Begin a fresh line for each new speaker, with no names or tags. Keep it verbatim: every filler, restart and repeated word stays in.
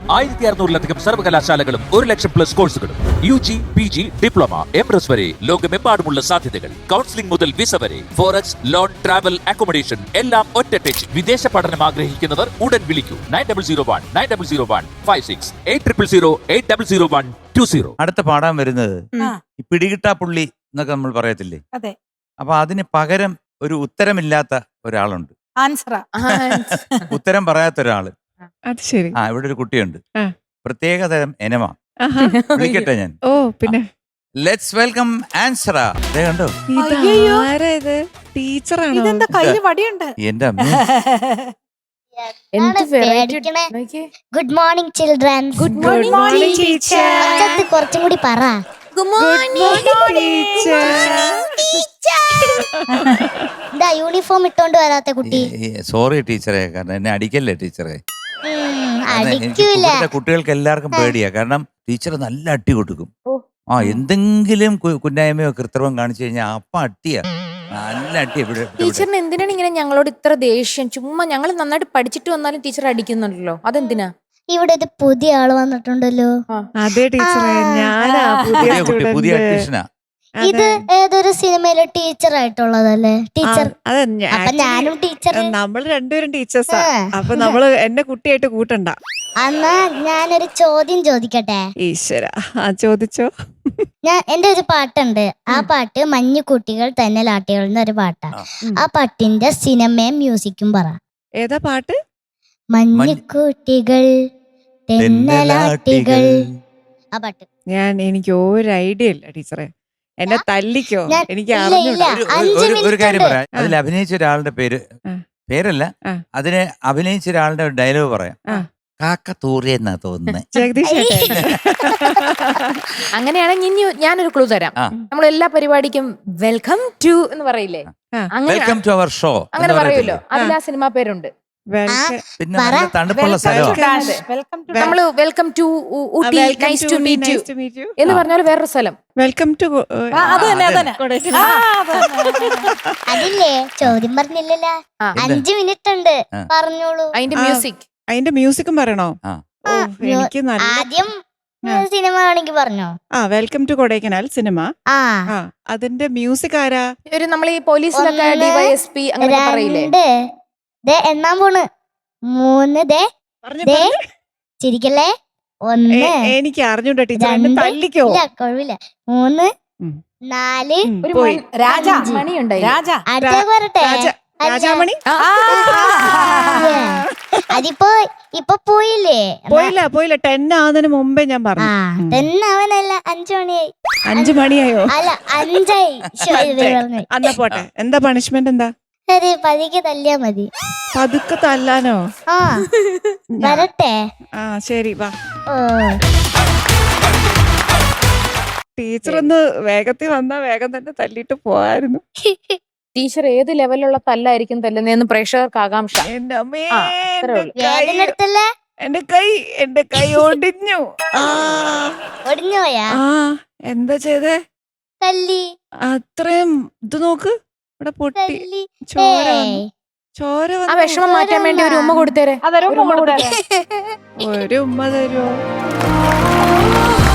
ആയിരത്തി അറുന്നൂറിലധികം സർവകലാശാലകളും ഒരു ലക്ഷം പ്ലസ് കോഴ്സുകളും U G P G diploma M S വരെ ലോകമെമ്പാടുമുള്ള സാധ്യതകൾ. കൗൺസിലിംഗ് മുതൽ വിസ വരെ, ഫോറക്സ്, ലോൺ, ട്രാവൽ, അക്കോമഡേഷൻ എല്ലാം ഒറ്റ ടച്ച്. വിദേശ പഠനം ആഗ്രഹിക്കുന്നവർ ഉടൻ വിളിക്കൂ nine double zero one nine double zero one five six eight triple zero eight double zero one two zero.
അടുത്ത പാടാൻ വരുന്നത് ഈ പിടികിട്ടാ പുള്ളി എന്നൊക്കെ നമ്മൾ പറയത്തില്ലേ?
അതെ.
അപ്പൊ അതിന് പകരം ഒരു ഉത്തരമില്ലാത്ത ഒരാളുണ്ട്.
ആൻസറാ.
ഉത്തരം പറയാത്ത ഒരാള്.
അത് ശരി.
ആ ഇവിടെ ഒരു കുട്ടിയുണ്ട്.
ആ.
പ്രത്യേകതരം എനമ.
ആഹാ.
വിളിക്കട്ടെ ഞാൻ.
ഓ പിന്നെ
ലെറ്റ്സ് വെൽക്കം ആൻസറ. ദേ കണ്ടോ
അയ്യയ്യോ.
ഇതാരാ ഇത്? ടീച്ചറാണോ?
ഇതെന്താ കയ്യില് വടിയുണ്ട്?
എന്റെ അമ്മ.
എന്ത് പേടിക്കണേ. Good morning children's.
Good morning teacher.
ഒച്ചത്ത് കുറച്ചും കൂടി പറ.
ഗുഡ് മോർണിംഗ്
ഇതാ യൂണിഫോം ഇട്ടോണ്ട് വരാത്ത കുട്ടി.
സോറി ടീച്ചറെ, കാരണം എന്നെ അടിക്കല്ലേ ടീച്ചറെ.
ഉം,
കാരണം എനിക്ക്
അടിക്കൂല.
ഇവിടുത്തെ കുട്ടികൾക്ക് എല്ലാവർക്കും പേടിയാ. കാരണം ടീച്ചർ നല്ല അടി കൊടുക്കും. ആ എന്തെങ്കിലും കു- കുന്നായ്മയോ കൃത്രിമം കാണിച്ചു കഴിഞ്ഞാൽ അപ്പ അട്ടിയാ. നല്ല അടി ഇവിടെ ഇവിടെ.
ടീച്ചറിന് എന്തിനാണ് ഇങ്ങനെ ഞങ്ങളോട് ഇത്ര ദേഷ്യം? ചുമ്മാ ഞങ്ങൾ നന്നായിട്ട് പഠിച്ചിട്ട് വന്നാലും ടീച്ചർ അടിക്കുന്നുണ്ടല്ലോ, അതെന്തിനാ?
ഇവിടെ ഒരു പുതിയ ആള് വന്നിട്ടുണ്ടല്ലോ.
അതെ ടീച്ചറെ, ഞാനാ പുതിയ
പുതിയ കുട്ടി, പുതിയ
സ്റ്റുഡന്റ്.
അഡ്മിഷനാ.
ഇത് ഏതൊരു സിനിമയിലെ ടീച്ചർ ആയിട്ടുള്ളതല്ലേ? ടീച്ചർ.
അതെ,
അപ്പൊ ഞാനും ടീച്ചർ.
നമ്മൾ രണ്ടുപേരും ടീച്ചേഴ്സാ.
ആ.
അപ്പൊ നമ്മള് എന്നെ കുട്ടിയായിട്ട് കൂട്ടണ്ട.
എന്നാ ഞാനൊരു ചോദ്യം ചോദിക്കട്ടെ.
ഈശ്വര, ആ ചോദിച്ചോ.
ഞാൻ എന്റെ ഒരു പാട്ടുണ്ട്. ആ പാട്ട് മഞ്ഞുകുട്ടികൾ തെന്നലാട്ടികൾ എന്നൊരു പാട്ടാ.
ആ.
ആ പാട്ടിന്റെ സിനിമയും മ്യൂസിക്കും പറ.
ഏതാ പാട്ട്?
മഞ്ഞുകുട്ടികൾ തെന്നലാട്ടികൾ. ആ പാട്ട്.
ഞാൻ എനിക്ക് ഒരു ഐഡിയ ഇല്ല ടീച്ചറെ. എന്നെ തല്ലിക്കോ?
ഞാൻ-
എനിക്ക്
ഇല്ല,
അറിഞ്ഞൂടാ.
ഇല്ല.
ഒരു-
അഞ്ച്
ഒരു- ഒരു
മിനിറ്റ്
കാര്യം
ഉണ്ട്.
പറയാം. അതിൽ അഭിനയിച്ച ഒരാളുടെ പേര്
ആ.
പേരല്ല,
ആ.
അതിനെ അഭിനയിച്ച ഒരാളുടെ ഒരു ഡയലോഗ് പറയാം.
ആ.
കാക്ക തൂറിയെന്നാ തോന്നുന്നത്.
ജഗദീഷ് ചേട്ടൻ.
അങ്ങനെയാണെങ്കിൽ ഇനി ഞാനൊരു ക്ലൂ തരാം.
ആ.
നമ്മൾ എല്ലാ പരിപാടിക്കും വെൽക്കം ടു എന്ന് പറയില്ലേ,
ആ.
അങ്ങനെ
വെൽക്കം ടു അവർ ഷോ
അങ്ങനെ പറയുമല്ലോ. അതിൽ ആ സിനിമ പേരുണ്ട്.
വെൽക്കം.
പിന്നെ
പറ.
നല്ല തണുപ്പുള്ള
Welcome
സ്ഥലമാണ്.
to Dash. Welcome to
നമ്മള് welcome to Ooty,
Welcome
nice
to
to
me,
meet you
nice to meet you.
എന്ന് പറഞ്ഞാൽ വേറൊരു സ്ഥലം.
വെൽക്കം ടു
ആ, അത് തന്നെ അത് തന്നെ. ആ, അത് തന്നെ.
അതില്ലേ ചോദ്യം പറഞ്ഞില്ലല്ലോ.
ആ.
അഞ്ചു മിനിറ്റ് ഉണ്ട്.
ആ.
പറഞ്ഞോളൂ.
അതിന്റെ
ആ.
മ്യൂസിക്.
അതിന്റെ മ്യൂസിക്കും പറയണോ?
ആ.
ഓ, എനിക്ക് നല്ല.
ആദ്യം
ആ.
സിനിമ ആണെങ്കിൽ പറഞ്ഞോ.
ആ, വെൽക്കം ടു കൊടൈക്കനാൽ സിനിമ.
ആ
ആ, അതിന്റെ മ്യൂസിക് ആരാ?
ഒരു നമ്മൾ ഈ പോലീസിലൊക്കെ
ഒന്ന്,
ഡിവൈഎസ്പി അങ്ങനെ പറയില്ലേ.
രണ്ട് ദേ എണ്ണാൻ പോണ്. മൂന്ന് ദേ
പറഞ്ഞു
ദേ ചിരിക്കല്ലേ. ഒന്ന്
എനിക്ക് അറിഞ്ഞൂടാ ടീച്ചർ, എന്നെ
രണ്ട്.
തല്ലിക്കോ?
ഇല്ല കുഴപ്പമില്ല. മൂന്ന്
ഉം.
നാല്
ഉം,
ഒരു
പോയി.
മൺ-
രാജ.
അഞ്ച് മണി ഉണ്ടായി.
രാജ.
അടുത്ത പറട്ടെ.
രാജ- രാജാമണി.
ആ,
അതിപ്പോ ഇപ്പൊ പോയില്ലേ.
പോയില്ല പോയില്ല ടെൻ ആവുന്നതിന് മുമ്പേ ഞാൻ
ആ
പറഞ്ഞു. ഉം.
തന്നെ അവനല്ല അഞ്ചു മണിയായി.
അഞ്ചു മണിയായോ?
അല്ല അഞ്ചായി. ശരി, ദേ പറഞ്ഞു.
അന്നാ പോട്ടെ. എന്താ പണിഷ്മെന്റ്? എന്താ?
ശരി പതിക്ക് തല്ലിയാ മതി.
പതുക്കെ തല്ലാനോ?
ആ വരട്ടെ.
ആ ശരി വാ.
ഓ
ടീച്ചർ ഒന്ന് വേഗത്തിൽ വന്നാ വേഗം തന്നെ തല്ലിട്ട് പോവായിരുന്നു.
ടീച്ചർ ഏത് ലെവലുള്ള തല്ലായിരിക്കും തല്ലുന്നതെന്ന് പ്രേക്ഷകർക്ക് ആകാംക്ഷ.
എന്റെ അമ്മേ,
ആ, അത്രേ
എന്റെ
ഉള്ളൂ.
കൈ,
വേദന എടുത്തല്ലേ.
എന്റെ കൈ എന്റെ കൈ ഒടിഞ്ഞു. ആ
ഒടിഞ്ഞു പോയാ.
ആ, എന്താ ചെയ്തേ?
തല്ലി
അത്രയും ഇത് നോക്ക്, ഇവിടെ പൊട്ടി
തല്ലി.
ചോര
ഏയ്.
വന്നു. ചോര
ആ
വന്നു.
വിഷമം മാറ്റാൻ വേണ്ടി ഒരു ഉമ്മ കൊടുത്തേരെ.
അതൊരു
ഒരു ഉമ്മ
കൊടുത്തേ.
കൊടുത്തേ.
ഒരു ഉമ്മ തരുമോ?